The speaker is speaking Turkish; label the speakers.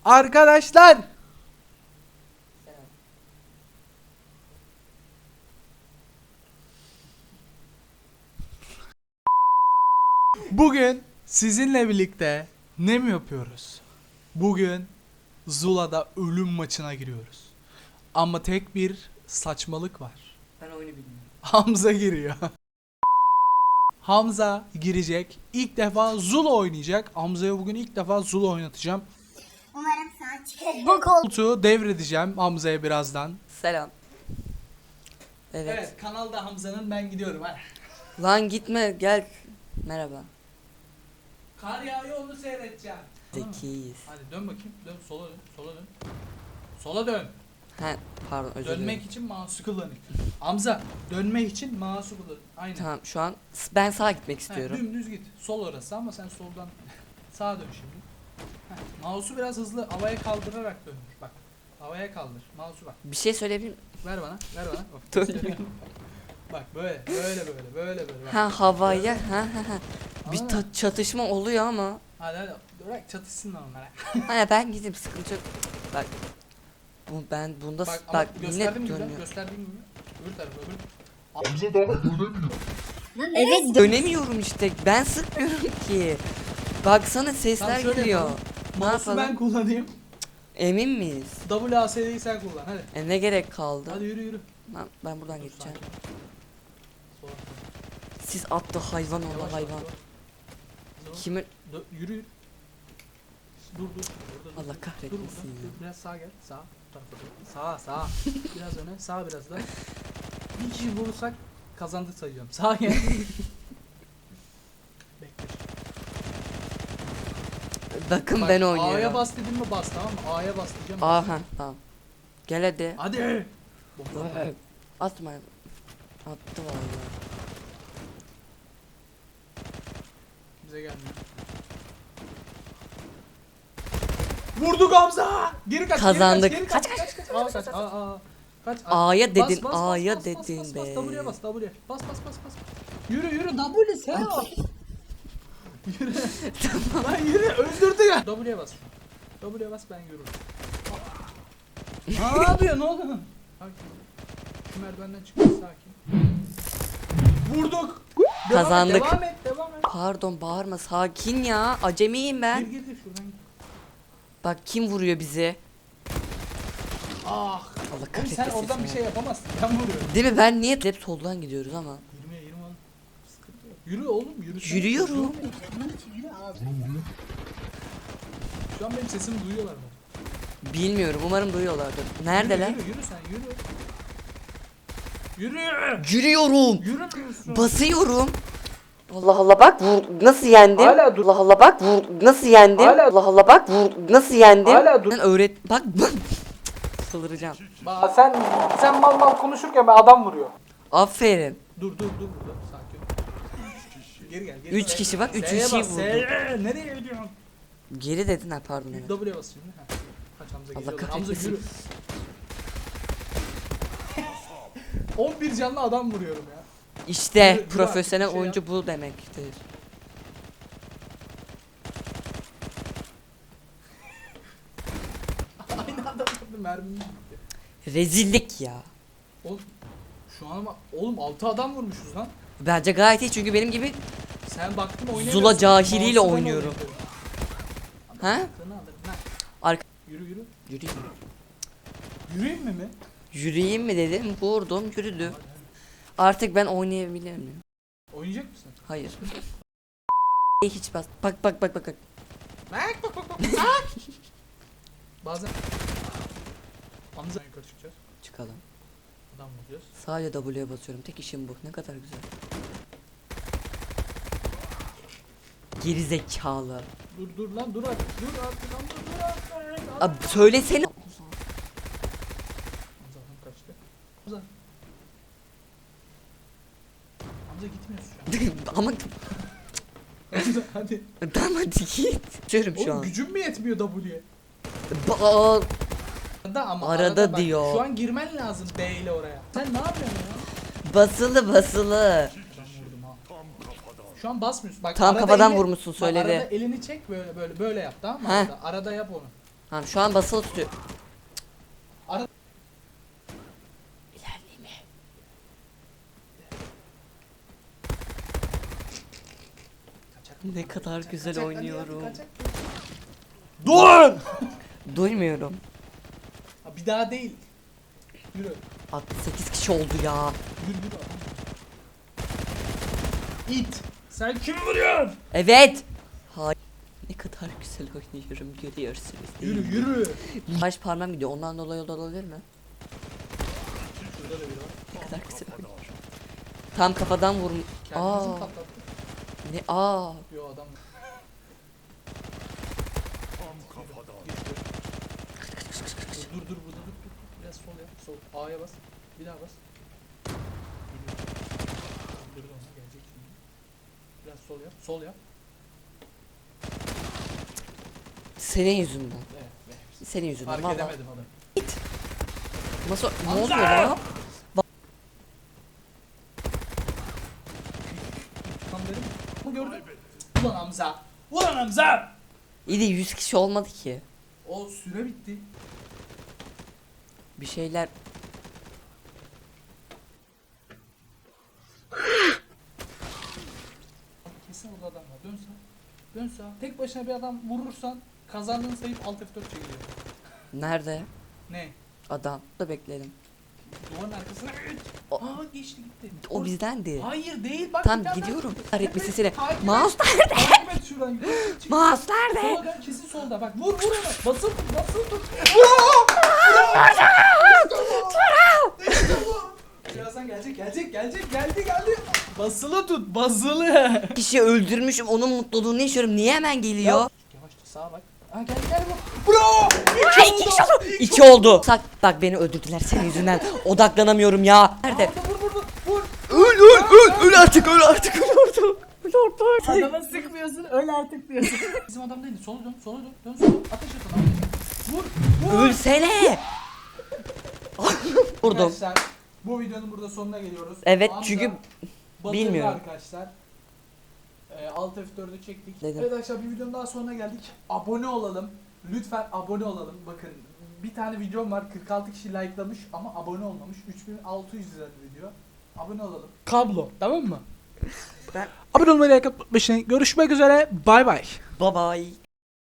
Speaker 1: Arkadaşlar. Bugün sizinle birlikte ne mi yapıyoruz? Bugün Zula'da ölüm maçına giriyoruz. Ama tek bir saçmalık var.
Speaker 2: Ben oyunu bilmiyorum.
Speaker 1: Hamza giriyor. Hamza girecek. İlk defa Zula oynayacak. Hamza'ya bugün ilk defa Zula oynatacağım.
Speaker 3: Umarım sana çıkar. Bu kol.
Speaker 1: Koltuğu devredeceğim Hamza'ya birazdan.
Speaker 2: Selam. Evet.
Speaker 1: Evet, kanalda Hamza'nın, ben gidiyorum. Hadi.
Speaker 2: Lan gitme gel. Merhaba.
Speaker 1: Kar yağıyor, onu seyredeceğim.
Speaker 2: Zekiyiz.
Speaker 1: Hadi dön bakayım. Dön, sola dön. Sola dön. Sola dön.
Speaker 2: He pardon özür dilerim.
Speaker 1: Dönmek için mouse'u kullanın. Hamza, dönmek için mouse'u kullan. Aynen.
Speaker 2: Tamam şu an ben sağa gitmek
Speaker 1: Ha,
Speaker 2: istiyorum.
Speaker 1: dümdüz git. Sol orası ama sen soldan sağa dön şimdi. Mouse'u biraz hızlı havaya kaldırarak dön. Bak. Havaya kaldır. Mouse'u bak.
Speaker 2: Bir şey söyleyebilir miyim?
Speaker 1: Ver bana. Ver bana.
Speaker 2: Dur.
Speaker 1: Bak böyle. Böyle. Bak.
Speaker 2: Ha havaya ha. Bir
Speaker 1: Anladın mı?
Speaker 2: çatışma oluyor ama.
Speaker 1: Hadi. Bırak çatışsınlar onlara.
Speaker 2: Hani ben gideyim sıkıntı yok. Bak. Ben bunda
Speaker 1: Bak,
Speaker 2: bak
Speaker 1: ama
Speaker 2: yine
Speaker 1: gösterdiğim gibi.
Speaker 2: dönüyor.
Speaker 1: Gösterdiğim gibi. Öbür tarafa öbür.
Speaker 2: Evet dönemiyorum işte. Ben sıkmıyorum ki. Baksana sesler
Speaker 1: Tamam, şöyle
Speaker 2: geliyor.
Speaker 1: yapalım.
Speaker 2: Ne
Speaker 1: Mouse'u ben
Speaker 2: yapalım?
Speaker 1: kullanayım.
Speaker 2: Emin miyiz?
Speaker 1: WASD'yi sen kullan. Hadi.
Speaker 2: Ne gerek kaldı?
Speaker 1: Hadi yürü.
Speaker 2: Ben buradan
Speaker 1: Dur,
Speaker 2: geçeceğim.
Speaker 1: sakin. Sola.
Speaker 2: Siz attı hayvan
Speaker 1: Yavaş,
Speaker 2: oğlu
Speaker 1: yavaş,
Speaker 2: hayvan.
Speaker 1: yavaş.
Speaker 2: Kimin?
Speaker 1: Yürü. Dur. Orada
Speaker 2: Allah
Speaker 1: dur.
Speaker 2: kahretmesin
Speaker 1: Dur,
Speaker 2: ya.
Speaker 1: dur. Biraz sağa gel. Sağ. Bu tarafa doğru. Sağa. Biraz öne. Sağ biraz da. Bir kişi vurursak kazandık sayıyorum. Sağa gel. Bekle.
Speaker 2: Bakın
Speaker 1: Bak,
Speaker 2: ben
Speaker 1: A'ya
Speaker 2: oynuyorum.
Speaker 1: bas dedim mi bas, tamam mı? A'ya bas diyeceğim.
Speaker 2: Aha tamam. Gel hadi.
Speaker 1: Hadi. Bomba.
Speaker 2: Atma. Attı vallahi.
Speaker 1: Bize gelmiyor. Vurduk Hamza. Geri kaç.
Speaker 2: Kazandık.
Speaker 1: Geri kaç. Kaç. Aa, kaç. Aa. Kaç.
Speaker 2: A'ya dedin,
Speaker 1: Bas,
Speaker 2: A'ya
Speaker 1: bas,
Speaker 2: dedin
Speaker 1: bas,
Speaker 2: be.
Speaker 1: W'ye bas. Bas. Yürü. W sen al. Yürü. Lan yürü. Öldürdü ya. W'ye bas. W'ye bas, ben yürürüm. Ne yapıyor? Ne oldu? Sakin. Şu merdivenden çıkıyor, sakin. Vurduk.
Speaker 2: Kazandık.
Speaker 1: Devam et.
Speaker 2: Pardon bağırma sakin ya. Acemiyim ben.
Speaker 1: Gir şuradan gir.
Speaker 2: Bak kim vuruyor bizi?
Speaker 1: Ah.
Speaker 2: Allah
Speaker 1: Oğlum
Speaker 2: kahretsin.
Speaker 1: sen oradan bir şey yapamazsın. Ben vuruyorum.
Speaker 2: Değil mi ben niye hep soldan gidiyoruz ama.
Speaker 1: 20 oğlum. Sıkıntı yok. Yürü oğlum, yürü.
Speaker 2: Yürüyorum.
Speaker 1: Şu an benim sesimi duyuyorlar mı?
Speaker 2: Bilmiyorum umarım duyuyorlardır. Neredeler?
Speaker 1: Yürü sen, yürü. Yürü.
Speaker 2: Yürüyorum.
Speaker 1: Yürümüyorsun.
Speaker 2: Basıyorum. Allah Allah bak vur nasıl yendim?
Speaker 1: Hala dur.
Speaker 2: Allah Allah bak vur nasıl yendim?
Speaker 1: Hala-
Speaker 2: Allah Allah bak vur nasıl yendim?
Speaker 1: Hala dur.
Speaker 2: Ben öğret bak saldıracağım.
Speaker 1: Sen mal konuşurken ben adam vuruyor.
Speaker 2: Aferin.
Speaker 1: Dur burada. Sakin ol. Geri gel.
Speaker 2: 3 kişi bak 3
Speaker 1: S'ye
Speaker 2: kişiyi
Speaker 1: bas,
Speaker 2: vurdu.
Speaker 1: S'ye. Nereye gidiyorsun?
Speaker 2: Geri dedin ha pardon evet.
Speaker 1: W'ye bas şimdi. Ha. Kaç Hamza
Speaker 2: Allah
Speaker 1: geliyorlar. Hamza
Speaker 2: kahretmesin.
Speaker 1: yürü. 11 canlı adam vuruyorum ya.
Speaker 2: İşte
Speaker 1: Yürü,
Speaker 2: profesyonel
Speaker 1: bir şey
Speaker 2: oyuncu bu demektir.
Speaker 1: Aynı anda vurdu, mermim gitti.
Speaker 2: Rezillik ya.
Speaker 1: Oğlum şu an ama oğlum 6 adam vurmuşuz lan.
Speaker 2: Bence gayet iyi çünkü benim gibi
Speaker 1: Sen baktın oynayamıyorsun.
Speaker 2: Zula cahiliyle
Speaker 1: Mouse'u ben
Speaker 2: oynuyorum.
Speaker 1: oynatıyorum.
Speaker 2: Ha?
Speaker 1: Aklını alırım lan.
Speaker 2: Arka
Speaker 1: Yürü.
Speaker 2: yürüyeyim.
Speaker 1: Yürüyeyim mi?
Speaker 2: Yürüyeyim mi dedim vurdum yürüdü. Artık ben oynayabilir miyim?
Speaker 1: Oynayacak mısın?
Speaker 2: Hayır. Hiç bas. Bak.
Speaker 1: Bak. Bazen Hamza yukarı çıkacağız.
Speaker 2: Çıkalım.
Speaker 1: Adam vuracağız.
Speaker 2: Sadece W'ye basıyorum. Tek işim bu. Ne kadar güzel. Geri zekalı.
Speaker 1: Dur lan dur artık. Dur artık.
Speaker 2: Abi söylesene.
Speaker 1: Hamza adam kaçtı. Hamza gitmiyorsun şu an.
Speaker 2: Ama
Speaker 1: Hamza hadi.
Speaker 2: tamam hadi git. Diyorum şu
Speaker 1: Oğlum
Speaker 2: an.
Speaker 1: gücüm mü yetmiyor W'ye? Ama
Speaker 2: Arada
Speaker 1: bak,
Speaker 2: diyor.
Speaker 1: Şu an girmen lazım B ile oraya. Sen ne yapıyorsun ya?
Speaker 2: Basılı.
Speaker 1: Ben vurdum ha. Şu an basmıyorsun. Bak,
Speaker 2: Tam
Speaker 1: arada
Speaker 2: kafadan vurmuşsun, söyledi.
Speaker 1: Bak, arada elini çek böyle yap, tamam mı?
Speaker 2: Heh.
Speaker 1: Arada yap onu.
Speaker 2: Tamam şu an basılı tutuyor.
Speaker 1: Ara.
Speaker 2: İlerleyeyim. Ne kadar güzel
Speaker 1: Kaçak,
Speaker 2: oynuyorum.
Speaker 1: hadi, kaçak. Dur!
Speaker 2: Duymuyorum.
Speaker 1: Ha, bir daha değil. Yürü.
Speaker 2: 68 kişi oldu ya.
Speaker 1: Yürü yürü. İt. Sen kimi vuruyorsun?
Speaker 2: Evet. Hayır. Ne kadar güzel oynuyorum görüyorsunuz değil
Speaker 1: Yürü
Speaker 2: mi?
Speaker 1: yürü.
Speaker 2: Baş parmağım gidiyor. Ondan dolayı olabilir mi?
Speaker 1: Şurada da biri var.
Speaker 2: Ne kadar güzel oynuyorum. Tam kafadan vurum.
Speaker 1: Kendimizi mi
Speaker 2: Aa.
Speaker 1: patlattık?
Speaker 2: Ne aa.
Speaker 1: Yo adam. Dur dur burada dur. Biraz sol yap. Sol. A'ya bas. Bir daha bas. Dur ona gelecek şimdi. Biraz sol yap. Sol yap.
Speaker 2: Senin yüzünden.
Speaker 1: Evet. Evet.
Speaker 2: Senin yüzünden.
Speaker 1: Fark
Speaker 2: Vallahi.
Speaker 1: edemedim adamı.
Speaker 2: Nasıl? Ne
Speaker 1: Hamza!
Speaker 2: oluyor lan?
Speaker 1: Tam dedim. Bu gördün. Ulan Hamza. Ulan Hamza.
Speaker 2: İyi de 100 kişi olmadı ki.
Speaker 1: O süre bitti.
Speaker 2: Bir şeyler.
Speaker 1: Kesin orada adam var. Dön sağa. Dön sağa. Tek başına bir adam vurursan kazandığın sayıp alt F4 çekiliyor.
Speaker 2: Nerede?
Speaker 1: Ne?
Speaker 2: Adam. Da bekleyelim.
Speaker 1: Duvarın arkasına.
Speaker 2: O-
Speaker 1: Aa geçti gitti.
Speaker 2: O bizdendi.
Speaker 1: Hayır değil bak.
Speaker 2: Tam
Speaker 1: bir tane
Speaker 2: gidiyorum.
Speaker 1: daha-
Speaker 2: Kahretmesin seni.
Speaker 1: Takip et.
Speaker 2: Mouse nerede?
Speaker 1: Takip et şuradan. Çık.
Speaker 2: Mouse nerede?
Speaker 1: Sola dön kesin solda bak. Vur vur ona. Basılı tut basılı tut. İşte bu. Birazdan gelecek geldi. Basılı tut basılı.
Speaker 2: Kişi öldürmüşüm. Onun mutluluğunu yaşıyorum. Niye hemen geliyor?
Speaker 1: Yavaşça sağa bak. Ha gel bu. Bravo.
Speaker 2: Ay, iki kişi oldu. İki oldu. Bak beni öldürdüler senin yüzünden. Odaklanamıyorum ya. Nerede?
Speaker 1: Vur.
Speaker 2: Öl artık öl artık öl artık. Öl artık.
Speaker 1: Adama sıkmıyorsun öyle artık diyorsun. Bizim adam değil. Sola dön. Dön sola. Ateş et ona. Vur.
Speaker 2: Ölsene. Vurdum.
Speaker 1: Arkadaşlar bu videonun burada sonuna geliyoruz.
Speaker 2: Evet,
Speaker 1: Hamza
Speaker 2: çünkü
Speaker 1: batırdı
Speaker 2: bilmiyorum.
Speaker 1: arkadaşlar. Alt F4'ü çektik.
Speaker 2: Dedim.
Speaker 1: Evet arkadaşlar bir videonun daha sonuna geldik. Abone olalım. Lütfen abone olalım. Bakın bir tane videom var. 46 kişi likelamış ama abone olmamış. 3600 lira video. Abone olalım. Kablo tamam mı?
Speaker 2: Ben-
Speaker 1: Abone olmayı, like atmayı, görüşmek üzere. Bay bay.
Speaker 2: Bye bye.